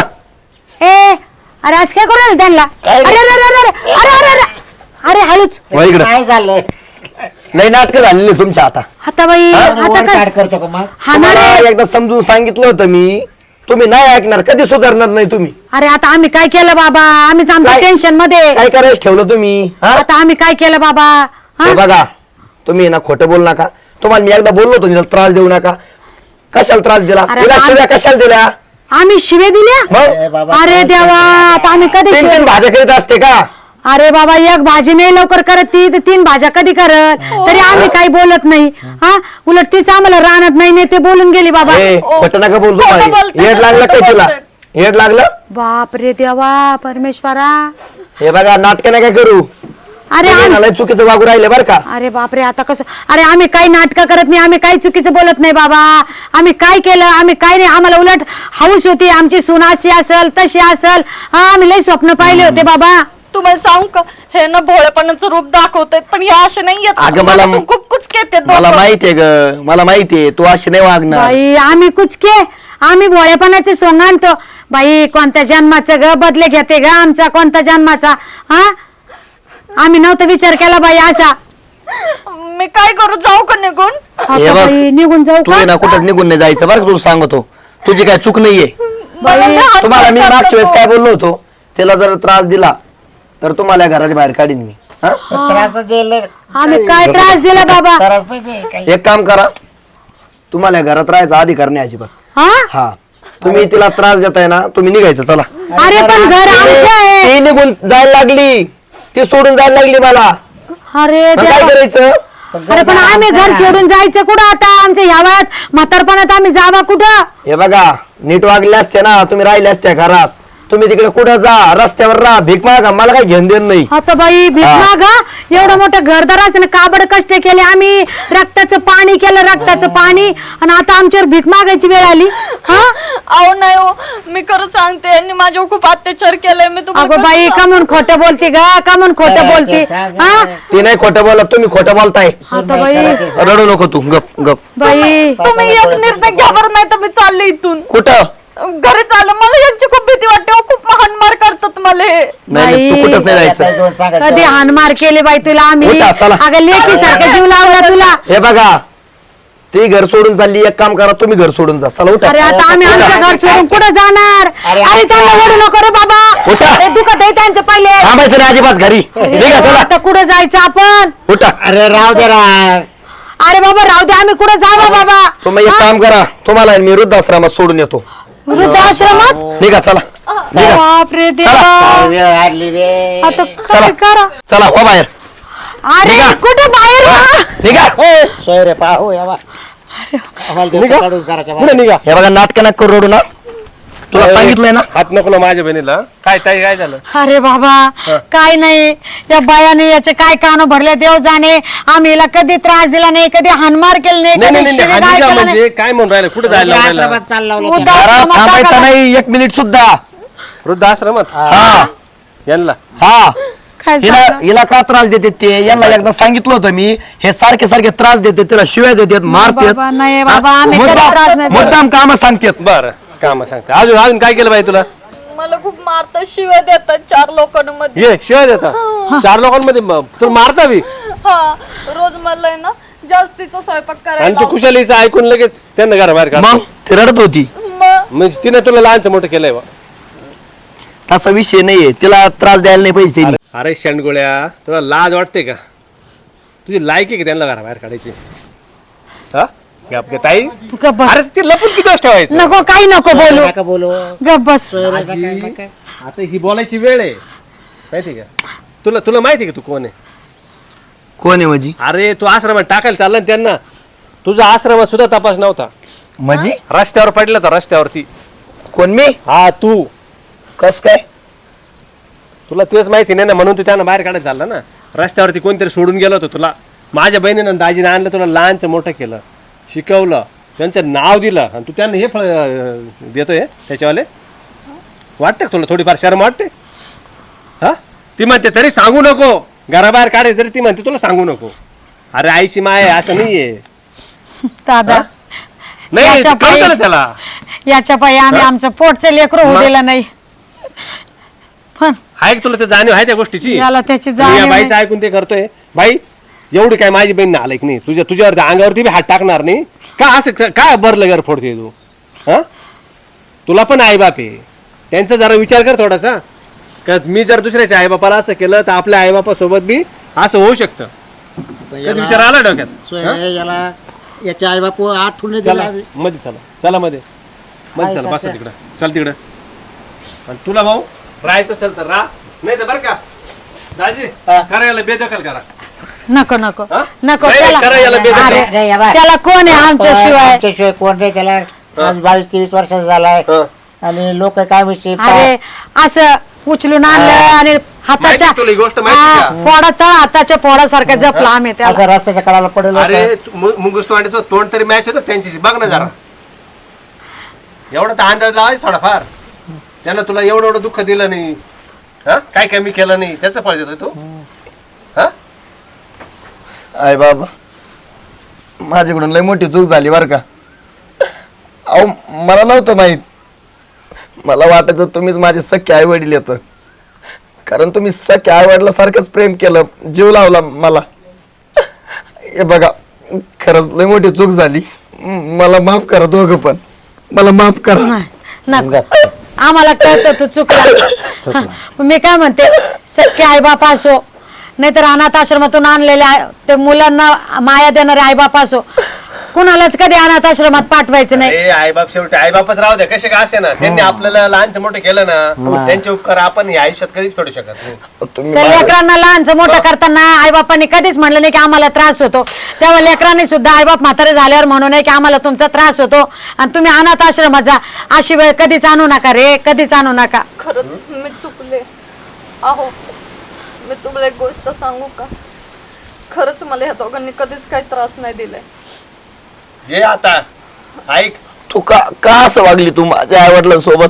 [SPEAKER 4] ए अरे आज काय करू राहिले त्यांना?
[SPEAKER 3] काय
[SPEAKER 4] अरे अरे अरे अरे अरे अरे अरे अरे हळूच.
[SPEAKER 2] वळ इकडं.
[SPEAKER 3] काय झालंय?
[SPEAKER 2] नाही नाटकं झालेली तुमच्या आता.
[SPEAKER 4] आता बाई आता
[SPEAKER 3] वर
[SPEAKER 4] काय
[SPEAKER 3] काढ करतो का मग?
[SPEAKER 4] हा ना रे.
[SPEAKER 2] तुम्हाला एकदा समजून सांगितलं होतं मी, तुम्ही नाही ऐकणार, कधी सुधारणार नाही तुम्ही.
[SPEAKER 4] अरे आता आम्ही काय केलं बाबा? आम्हीच आमच्या
[SPEAKER 2] काय?
[SPEAKER 4] टेन्शन मध्ये.
[SPEAKER 2] काय करायचं ठेवलं तुम्ही? हा?
[SPEAKER 4] आता आम्ही काय केलं बाबा? हा?
[SPEAKER 2] हे बघा, तुम्ही ना खोटं बोलू नका. तुम्हाला मी एकदा बोललो होतो तिला त्रास देऊ नका. कशाला त्रास दिला?
[SPEAKER 4] अरे
[SPEAKER 2] तिला
[SPEAKER 4] आम-
[SPEAKER 2] शिव्या कशाला दिल्या?
[SPEAKER 4] आम्ही शिवे दिल्या?
[SPEAKER 3] ए
[SPEAKER 2] मग
[SPEAKER 3] बाबा,
[SPEAKER 4] अरे देवा आता आम्ही कधी
[SPEAKER 2] तीन
[SPEAKER 4] शिवे-
[SPEAKER 2] तीन भाज्या करीत असते का?
[SPEAKER 4] अरे बाबा एक भाजी नाही लवकर करत ती, तर तीन भाज्या कधी करत? तरी आम्ही काही बोलत नाही. हा उलट तीच आम्हाला राहणार नाही नाही ते बोलून गेली बाबा.
[SPEAKER 2] ए, खोटं नका बोलतो
[SPEAKER 1] खोटं
[SPEAKER 2] बाई.
[SPEAKER 1] बोलते,
[SPEAKER 2] येड लागलं काय
[SPEAKER 1] खोटं
[SPEAKER 2] तुला?
[SPEAKER 1] बोलते.
[SPEAKER 2] येड लागलं?
[SPEAKER 4] बाप रे देवा परमेश्वरा.
[SPEAKER 2] हे बघा नाटक नका करू.
[SPEAKER 4] अरे
[SPEAKER 2] तुम्ही
[SPEAKER 4] आम-
[SPEAKER 2] ना लय चुकीचं वागू राहिले बरं का.
[SPEAKER 4] अरे बापरे आता कसं? अरे आम्ही काही नाटकं करत नाही, आम्ही काही चुकीचं बोलत नाही बाबा. आम्ही काय केलं? आम्ही काय नाही. आम्हाला उलट हौस होती आमची सून अशी असल तशी असल. हा आम्ही लई स्वप्न पाहिले होते बाबा.
[SPEAKER 1] तुम्हाला सांगू का, हे ना भोळेपणाचं रूप दाखवतात, पण हे असे नाही येत.
[SPEAKER 2] अगं मला
[SPEAKER 1] खूप कुचके येतात
[SPEAKER 2] मला
[SPEAKER 1] दोघं.
[SPEAKER 2] माहितीये ग, मला माहितीये तू अशी नाही वागणार.
[SPEAKER 4] बाई आम्ही कुचके, आम्ही भोळेपणाचे सोंग आणतो बाई. कोणत्या जन्माचं ग बदले घेते ग आमचा, कोणत्या जन्माचा? हा आम्ही नव्हता विचार केला बाई असा.
[SPEAKER 1] मी काय करू? जाऊ का निघून?
[SPEAKER 4] आता
[SPEAKER 2] हे बघ,
[SPEAKER 4] बाई निघून जाऊ
[SPEAKER 2] तू
[SPEAKER 4] का?
[SPEAKER 2] आहे ना कुठं निघून नाही जायचं बरं का. तुला सांगतो तुझी काय चूक नाहीये.
[SPEAKER 1] मला लहान
[SPEAKER 2] तुम्हाला मी
[SPEAKER 1] करतो
[SPEAKER 2] मागच्या वेळेस
[SPEAKER 1] तो.
[SPEAKER 2] काय बोललो होतो, तिला जर त्रास दिला तर तुम्हाला या घराच्या बाहेर काढीन मी. हा?
[SPEAKER 3] त्रास दिला.
[SPEAKER 4] आम्ही काय त्रास दिला बाबा?
[SPEAKER 3] त्रास नाही दे, काही.
[SPEAKER 2] एक काम करा, तुम्हाला या घरात राहायचा अधिकार नाही अजिबात.
[SPEAKER 4] हा
[SPEAKER 2] हा तुम्ही तिला त्रास देताय ना, तुम्ही निघायचं. चला.
[SPEAKER 4] अरे पण घर आमचं आहे.
[SPEAKER 2] ती निघून जायला लागली, ती सोडून जायला लागली मला.
[SPEAKER 4] अरे
[SPEAKER 2] मग काय
[SPEAKER 4] देवा.
[SPEAKER 2] करायचं?
[SPEAKER 4] अरे पण आम्ही घर सोडून जायचं कुठं आता? आमच्या ह्या वयात म्हातारपणात आम्ही जावा कुठं?
[SPEAKER 2] हे बघा, नीट वागले असते ना तुम्ही, राहिले असत्या घरात. तुम्ही तिकडे कुठं जा, रस्त्यावर राहा, भीक मागा, मला काही घेण देण नाही.
[SPEAKER 4] आता बाई भीक गा एवढं मोठं घरदार असताना काबड कष्ट केले आम्ही, रक्ताचं पाणी केलं, रक्ताचं पाणी, आणि आता आमच्यावर भीक मागायची वेळ आली. हा
[SPEAKER 1] अहो नाही हो, मी खरं सांगते, यांनी माझ्यावर खूप अत्याचार केलाय. मी तुम्हाला
[SPEAKER 4] अगो
[SPEAKER 1] कसं
[SPEAKER 4] बाई
[SPEAKER 1] सांगू?
[SPEAKER 4] कमून खोटं बोलते ग, कमून खोटं बोलते. हा
[SPEAKER 2] ती नाही खोटं बोलत, तुम्ही खोटं बोलताय.
[SPEAKER 4] आता बाई
[SPEAKER 2] रडू नको तू, गप गप.
[SPEAKER 4] बाई
[SPEAKER 1] तुम्ही एक निर्णय घ्या बरं, नाही तर मी चालले इथून
[SPEAKER 2] कुठं?
[SPEAKER 1] घरी चाललं. मला यांची खूप भीती वाटते हो, खूप हाणमार करतात मला हे.
[SPEAKER 2] नाही नाही, तू
[SPEAKER 4] बाई.
[SPEAKER 2] कुठंच नाही
[SPEAKER 3] काही
[SPEAKER 2] जायचं.
[SPEAKER 3] दोन सांगायचं.
[SPEAKER 4] कधी हानमार केले बाई तुला आम्ही?
[SPEAKER 2] उठा, चला.
[SPEAKER 4] अगं लेकी सारखं जीव लावला तुला.
[SPEAKER 2] हे बघा, ती घर सोडून चालली, एक काम करा, तुम्ही घर सोडून जा. चला उठा.
[SPEAKER 4] अरे आता आम्ही आमचं घर सोडून कुठं जाणार?
[SPEAKER 3] अरे,
[SPEAKER 4] अरे त्यांना ओढू नको रे बाबा.
[SPEAKER 2] उठा.
[SPEAKER 4] अरे दुखत आहे त्यांचं पहिले.
[SPEAKER 2] थांबायचं नाही अजिबात घरी. निघा चला.
[SPEAKER 4] आता कुठं जायचं आपण?
[SPEAKER 2] उठा.
[SPEAKER 3] अरे राव दे रा.
[SPEAKER 4] अरे बाबा राहू दे, आम्ही कुठं जावं बाबा?
[SPEAKER 2] तुम्ही एक काम करा, तुम्हाला मी वृद्धाश्रमात सोडून येतो.
[SPEAKER 4] वृद्धाश्रमात?
[SPEAKER 2] निघा चला. निघा.
[SPEAKER 4] बापरे देवा.
[SPEAKER 3] वेळ आडली रे.
[SPEAKER 4] आता
[SPEAKER 2] चला.
[SPEAKER 4] काय करा?
[SPEAKER 2] चला हो बाहेर.
[SPEAKER 4] अरे
[SPEAKER 2] निघा.
[SPEAKER 4] कुठं बाहेर वा?
[SPEAKER 2] निघा.
[SPEAKER 3] सोय रे पाहू या बा. आम्हाला देतो
[SPEAKER 2] निघा.
[SPEAKER 3] काढून करायच्या
[SPEAKER 2] पुढे निघा. हे बघा, नाटक नका करू, रडू ना. तुला सांगितलंय ना.
[SPEAKER 6] हात नको ना माझ्या बहिणीला. काय ताई काय झालं?
[SPEAKER 4] अरे बाबा काय नाही, या बायाने याचे काय कान भरले देव जाणे. आम्ही हिला कधी त्रास दिला नाही, कधी हानमार केलं नाही,
[SPEAKER 6] नाही
[SPEAKER 4] कधी
[SPEAKER 6] नाही नाही,
[SPEAKER 4] शिवीगाळ
[SPEAKER 6] हानी का
[SPEAKER 4] केलं नाही.
[SPEAKER 6] म्हणजे काय म्हणून राहिलं? कुठे जायला लावलेलं?
[SPEAKER 3] आश्रमात चालला होता.
[SPEAKER 4] उद्या-
[SPEAKER 2] घरात
[SPEAKER 4] आश्रमात
[SPEAKER 2] थांबायचं
[SPEAKER 4] टाकायला.
[SPEAKER 2] नाही एक मिनिट सुद्धा.
[SPEAKER 6] वृद्धाश्रमात
[SPEAKER 2] हा
[SPEAKER 6] यांना
[SPEAKER 2] हा
[SPEAKER 4] काय
[SPEAKER 2] हिला
[SPEAKER 4] सांगा?
[SPEAKER 2] हिला का त्रास देते ते यांना एकदा सांगितलं होतं मी. हे सारखे सारखे त्रास देते, तिला शिव्या देतात,
[SPEAKER 4] बाबा, नाही बाबा, आम्ही कधी त्रास नाही
[SPEAKER 2] मारतात,
[SPEAKER 4] देत.
[SPEAKER 2] मुद्दाम काम सांगतात.
[SPEAKER 6] बर काम सांगते. अजून अजून काय केलं बाई तुला?
[SPEAKER 1] मला खूप मारतात, शिव्या देतात चार लोकांमध्ये.
[SPEAKER 6] ये शिवाय देता चार लोकांमध्ये म- तुला मारता बी.
[SPEAKER 1] हा, रोज मला आहे ना जास्तीचा स्वयंपाक
[SPEAKER 6] आणि
[SPEAKER 1] करायला
[SPEAKER 6] तू कुशालीचं ऐकून लगेच त्यांना घराबाहेर काढ.
[SPEAKER 2] मग ती रडत होती.
[SPEAKER 1] लावतात. मग
[SPEAKER 6] म्हणजे तिने तुला लहानचं मोठं केलंय बा.
[SPEAKER 2] तसा विषय नाहीये, तिला त्रास द्यायला नाही पाहिजे त्यांनी.
[SPEAKER 6] अरे शेंडगोळ्या, तुला लाज वाटते का? तुझी लायकी का त्यांना घराबाहेर काढायची? हा गप गे ताई.
[SPEAKER 4] तू गप बस.
[SPEAKER 6] अरे ते लपून किती दिवस ठेवायचं?
[SPEAKER 4] नको, काही नको बोलू.
[SPEAKER 3] नका बोलू.
[SPEAKER 4] गप बस.
[SPEAKER 6] आजी, आता ही बोलायची वेळ आहे माहिती का? तुला तुला माहिती का तू कोण आहे?
[SPEAKER 2] कोण आहे म्हणजे?
[SPEAKER 6] अरे तू आश्रमात टाकायला चालला ना त्यांना. तुझा आश्रमात सुद्धा तपास नव्हता.
[SPEAKER 2] म्हणजे
[SPEAKER 6] रस्त्यावर पडला होता रस्त्यावरती.
[SPEAKER 2] कोण मी?
[SPEAKER 6] हा तू.
[SPEAKER 2] कस काय?
[SPEAKER 6] तुला तेच माहिती नाही ना, म्हणून तू त्यांना बाहेर काढायला चालला ना. रस्त्यावरती कोणतरी सोडून गेलं होतं तुला. माझ्या बहिणीनं दाजीने आणलं, तुला लहानचं मोठं केलं, शिकवलं, त्यांचं नाव दिलं, आणि तू त्यांना हे फळ अं, देतोय त्याच्यावाले. वाटतं का तुला थोडीफार शरम वाटते? हा ती म्हणते तरी सांगू नको, घराबाहेर काढायचं तरी ती म्हणते तुला सांगू नको. अरे आईची माय आहे, असं नाहीये.
[SPEAKER 4] दादा,
[SPEAKER 6] नाही
[SPEAKER 4] याच्या
[SPEAKER 6] ते कळतं ना
[SPEAKER 4] पायी-
[SPEAKER 6] त्याला.
[SPEAKER 4] याच्या पायी आम्ही आमचं पोटचं लेकरं होऊ दिलं नाही. पण
[SPEAKER 6] आहे का तुला ते जाणीव आहे त्या गोष्टीची?
[SPEAKER 4] याला त्याची
[SPEAKER 6] मी या
[SPEAKER 4] जाणीव
[SPEAKER 6] बाईचं
[SPEAKER 4] नाही.
[SPEAKER 6] ऐकून ते करतोय. बाई एवढी काय माझी बहीण आलाय की नाही, तुझ्या तुझ्यावरती अंगावरती बी हात टाकणार नाही का? असं क- काय बरलं घर फोडते तू? हा तुला पण आईबाप आहे, त्यांचा जरा विचार कर थोडासा. का मी जर दुसऱ्याच्या आईबापाला असं केलं तर आपल्या आईबापासोबत बी असं होऊ शकतं. कधी विचार आला डोक्यात?
[SPEAKER 3] सोयरे याला याचे आई बापू आठवून नाही
[SPEAKER 6] चला
[SPEAKER 3] दिला.
[SPEAKER 6] मध्ये चला, चला मध्ये मध्ये चला, बसा तिकडं, चल तिकडं. आणि तुला भाऊ राहायचं असेल तर राहा, नाही तर बरं का दाजी करायला बेदखल करा.
[SPEAKER 4] नको नको
[SPEAKER 6] हा?
[SPEAKER 4] नको.
[SPEAKER 6] नाही,
[SPEAKER 4] त्याला
[SPEAKER 6] करा याला बेदखल.
[SPEAKER 4] अरे,
[SPEAKER 3] नाही, या बाय.
[SPEAKER 4] त्याला कोण आहे आमच्याशिवाय?
[SPEAKER 3] आमच्याशिवाय कोण नाही त्याला. आज बावीस तेवीस वर्षाचा झालाय
[SPEAKER 6] हं.
[SPEAKER 3] आणि लोक काय म्हणते
[SPEAKER 4] अरे असं उचलून आणलं आणि हाताच्या
[SPEAKER 6] माहिती तुला ही गोष्ट माहिती का?
[SPEAKER 4] फोडा तळ हाताच्या फोडासारखा जपला आम्ही त्याला.
[SPEAKER 3] असं रस्त्याच्या कडाला पडेल होतं.
[SPEAKER 6] अरे तू मु- मुंगूस तोंडाचं तोंड तरी मॅच होतं त्यांच्याशी, बघ ना जरा. एवढा तर अंदाज लावायचा थोडाफार. त्यानं तुला एवढं एवढं दुःख दिलं नाही, हा काय कमी केलं नाही, त्याचं फळ देतोय तू. हा
[SPEAKER 2] आय बाबा, माझ्याकडून लय मोठी चूक झाली बरं का. अहो मला नव्हतं माहित. मला वाटायचं तुम्हीच माझे सख्खे आई वडील येतं, कारण तुम्ही सख्या आई वडिलासारखंच प्रेम केलं, जीव लावला मला. हे बघा, खरंच लय मोठी चूक झाली. म- मला माफ करा दोघं पण, मला माफ करा.
[SPEAKER 4] नको, आम्हाला कळतं तू चुकला. मी काय म्हणते, सख्खे आईबाप असो नाहीतर अनाथ आश्रमातून आणलेले आई- ते मुलांना माया देणारे आईबाप असो, कुणालाच कधी अनाथ आश्रमात पाठवायचं नाही.
[SPEAKER 6] अरे आई बाप शेवटी आई बापच राहू द्या, कसे का असे ना. त्यांनी आपल्याला लहानचं मोठं केलं ना, त्यांचे उपकार आपण या आयुष्यात कधीच फेडू शकत नाही.
[SPEAKER 2] तुम्ही
[SPEAKER 4] त्या
[SPEAKER 2] माझ्या-
[SPEAKER 4] लेकरांना लहानचं मोठं करताना आईबापांनी कधीच म्हणलं नाही की आम्हाला त्रास होतो. तेव्हा लेकरांनी सुद्धा आईबाप म्हातारे झाल्यावर म्हणू नये की आम्हाला तुमचा त्रास होतो आणि तुम्ही अनाथ आश्रमात जा. अशी वेळ कधीच आणू नका रे, कधीच आणू नका.
[SPEAKER 1] खरंच मी चुकले. अहो, मी तुम्हाला एक गोष्ट सांगू का? खरंच मला ह्या दोघांनी कधीच काही त्रास नाही दिलाय.
[SPEAKER 6] हे आता ऐक,
[SPEAKER 2] तू का का असं वागली तू माझ्या आई वडिलांसोबत?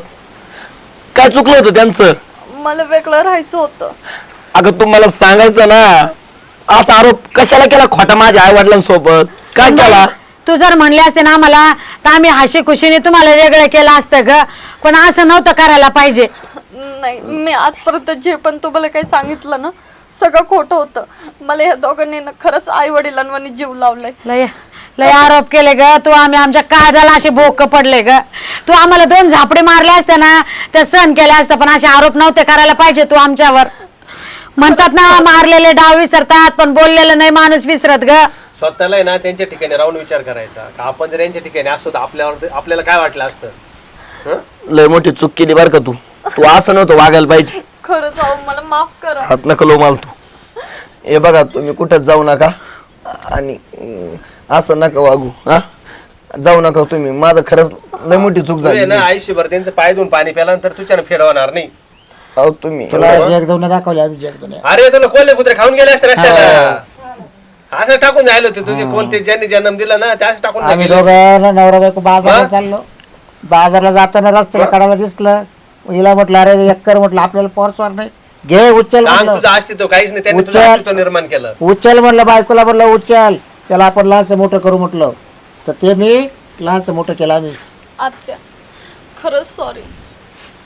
[SPEAKER 2] काय चुकलं होतं त्यांचं?
[SPEAKER 1] मला वेगळं राहायचं होतं.
[SPEAKER 2] अगं तू मला सांगायचं ना, असा आरोप कशाला केला खोटा माझ्या आई वडिलांसोबत? काय केला?
[SPEAKER 4] तू जर म्हणले असते ना मला तर आम्ही हाशी खुशीने तुम्हाला वेगळं केलं असतं ग, पण असं नव्हतं करायला पाहिजे.
[SPEAKER 1] नाही, मी आजपर्यंत जे पण तुम्हाला काही सांगितलं ना, सगळं खोटं होतं. मला ह्या दोघांनी ना खरंच आई वडिलांवर जीव लावलाय.
[SPEAKER 4] लय लय आरोप केले ग तू. आम्ही आमच्या काळजाला असे भोक पडले ग. तू आम्हाला दोन झापडे मारले असते ना त्या सहन केले असतं, पण असे आरोप नव्हते करायला पाहिजे तू आमच्यावर. म्हणतात ना, मारलेले डाव विसरतात पण बोललेलं नाही माणूस विसरत ग.
[SPEAKER 6] स्वतःला आहे ना त्यांच्या ठिकाणी राहून विचार करायचा का आपण जर यांच्या ठिकाणी असतो तर आपल्यावर आपल्याला काय वाटलं असतं. हं?
[SPEAKER 2] लय मोठी चूक केली बरं का तू. तू असं नव्हतं वागायला पाहिजे.
[SPEAKER 1] खरंच अहो, मला माफ करा.
[SPEAKER 2] हात नका लो माल तू. हे बघा, तुम्ही कुठंच जाऊ नका आणि अं, असं नका वागू. हा, जाऊ नका तुम्ही. माझं खरंच लय मोठी चूक
[SPEAKER 6] तू आहे
[SPEAKER 2] झाली.
[SPEAKER 6] ना आयुष्यभर त्यांचं पाय धुवून पाणी प्याल्यानंतर तुझ्यानं फेडवणार नाही.
[SPEAKER 2] अहो तुम्ही
[SPEAKER 3] तुला जगदवने दाखवले आम्ही जगदवने.
[SPEAKER 6] अरे तुला कोल्हे कुत्रे खाऊन गेले असते रस्त्याला. असं टाकून जायला होते तुझे कोणते ज्यांनी जन्म दिला ना त्याच टाकून
[SPEAKER 3] आम्ही
[SPEAKER 6] गेले.
[SPEAKER 3] दोघं नवरा बायको बाजारला
[SPEAKER 6] हा?
[SPEAKER 3] चाललो. बाजारला जाताना रस्त्याला कडाला दिसलं. हिला म्हटलं अरे एक्कर म्हटलं आपल्याला पोरसवार नाही, घे उचल
[SPEAKER 6] सांग
[SPEAKER 3] म्हटलं.
[SPEAKER 6] तुझं अस्तित्व काहीच नाही, त्यांनी तुझं
[SPEAKER 3] उचल.
[SPEAKER 6] अस्तित्व निर्माण केलं.
[SPEAKER 3] उचल म्हणलं बायकोला, म्हणलं उचल, त्याला आपण लहानसं मोठं करू म्हटलं. तर ते मी लहानसं मोठं केलं आम्ही.
[SPEAKER 1] आत्या, खरंच सॉरी.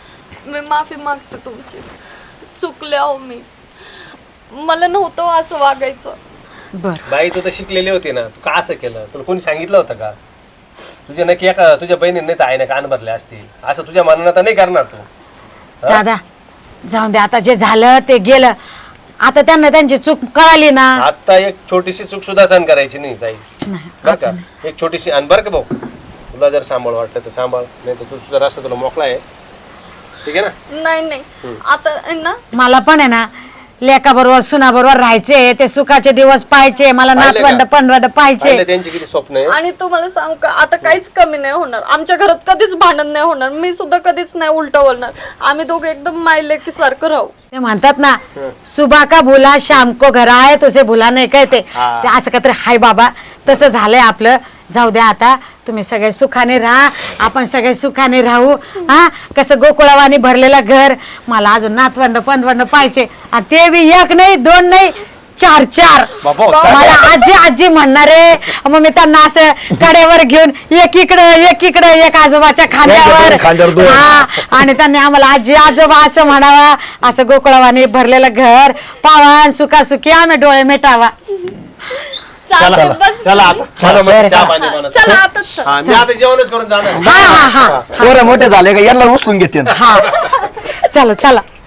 [SPEAKER 1] मी माफी मागते तुमची. चुकले अहो मी. मला नव्हतं असं वागायचं.
[SPEAKER 4] बर
[SPEAKER 6] बाई तू तर शिकलेली होती ना, तू का असं केलं? तुला कोणी सांगितलं होतं का? तुझ्या नक्की एका तुझ्या बहिणीने नाही तर आईने कान भरले असतील, असं तुझ्या मनानं तर नाही करणार तू.
[SPEAKER 4] दादा जाऊन दे, आता जे झालं ते गेलं. आता त्यांना त्यांची चूक कळाली ना.
[SPEAKER 6] आता एक छोटीशी चूक सुद्धा सहन करायची नाही ताई, बरं का? एक छोटीशी. आणि बरं का भाऊ, तुला जर सांभाळ वाटतं तर सांभाळ, नाही तर तू तुझा रस्ता तुला मोकळा आहे, ठीक आहे ना?
[SPEAKER 1] नाही नाही आता आहे ना
[SPEAKER 4] मला पण आहे ना लेका बरोबर सुना बरोबर राहायचे, ते सुखाचे दिवस पाहायचे, मला
[SPEAKER 6] पाहिले
[SPEAKER 4] नातवंड
[SPEAKER 6] का?
[SPEAKER 4] पंडवंड पाहायचे.
[SPEAKER 6] पाहिलं त्यांची किती स्वप्न आहे.
[SPEAKER 1] आणि तुम्हाला सांगू का आता काहीच कमी नाही होणार. आमच्या घरात कधीच भांडण नाही होणार. मी सुद्धा कधीच नाही उलट बोलणार. आम्ही दोघे एकदम मायलेकी सारखं राहू.
[SPEAKER 4] ते म्हणतात ना सुबह का भुला शाम को घर आए तुझे भुला नाही काय ते ते असं का तरी हाय बाबा. तसं झालंय आपलं. जाऊ द्या आता, तुम्ही सगळे सुखाने राहा, आपण सगळे सुखाने राहू. हा कसं गोकुळावानी भरलेलं घर. मला अजून नातवंड पंडवंड पाहिजे, आणि ते बी एक नाही दोन नाही चार चार.
[SPEAKER 6] बाबा,
[SPEAKER 4] मला आजी आजी म्हणणारे. मग मी त्यांना असं कड्यावर घेऊन एक इकडं एक इकडं एक आजोबाच्या खांद्यावर.
[SPEAKER 3] खांद्यावर दोन.
[SPEAKER 4] हा आणि त्यांनी आम्हाला आजी आजोबा असं म्हणावा. असं गोकुळावानी भरलेलं घर पावा, सुखासुखी आम्ही डोळे मिटावा.
[SPEAKER 1] चालतंय, बस
[SPEAKER 6] चला आता, चला मग चहा पाणी बनव.
[SPEAKER 1] चला आताच चल.
[SPEAKER 6] हा, मी आता जेवणच करून जाणार.
[SPEAKER 4] हा हा हा
[SPEAKER 2] पोरं मोठे झाले का यांना उचलून घेते.
[SPEAKER 4] हा चला चला.